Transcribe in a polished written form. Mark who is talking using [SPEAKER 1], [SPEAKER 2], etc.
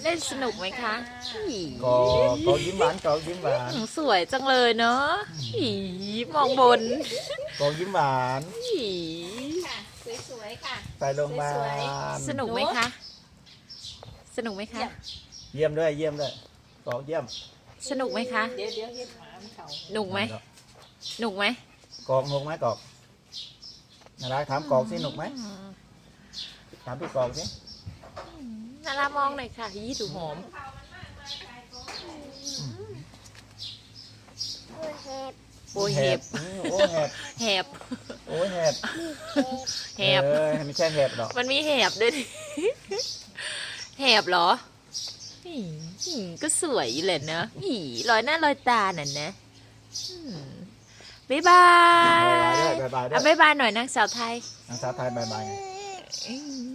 [SPEAKER 1] เล่นสนุกไหมคะอี
[SPEAKER 2] กอยิ้มหวานกอยิ้มหวาน
[SPEAKER 1] สวยจังเลยเนาะอีมองบน
[SPEAKER 2] กอยิ้มหวาน
[SPEAKER 1] อี
[SPEAKER 3] ค่ะสวยๆค่ะ
[SPEAKER 2] ไปโรงพยาบา
[SPEAKER 3] สวย
[SPEAKER 2] ล
[SPEAKER 1] สนุกไหมคะ สนุกไหมคะ
[SPEAKER 2] เยี่ยมด้วยเยี่ยมด้วยกอเยี่ยม
[SPEAKER 1] สนุกไหมคะ
[SPEAKER 3] เดี๋ยวเห็นหมามันเขา
[SPEAKER 1] หนุกไหมหนุกไหม
[SPEAKER 2] กอกหนุกไหมกอกอะไรถามกอกสิหนุกไหมถามพี่กอกสิ
[SPEAKER 1] น่ารามองหน่อยค่ะยี่ถูหอม โอ้ยเห็บ
[SPEAKER 2] โอ้แหบ
[SPEAKER 1] แหบ
[SPEAKER 2] โอ้แหบ
[SPEAKER 1] แหบ
[SPEAKER 2] ไม่ใช่แหบหรอก
[SPEAKER 1] มันมีแหบด้วยดิแหบเหรออีก็สวยอยู่เลยเนอะอีรอยหน้ารอยตาน่ะนะบ๊ายบาย
[SPEAKER 2] บายบายด้วย
[SPEAKER 1] เอาบ๊ายบายหน่อยนางสาวไทย
[SPEAKER 2] นางสาวไทยบายบาย
[SPEAKER 1] อืม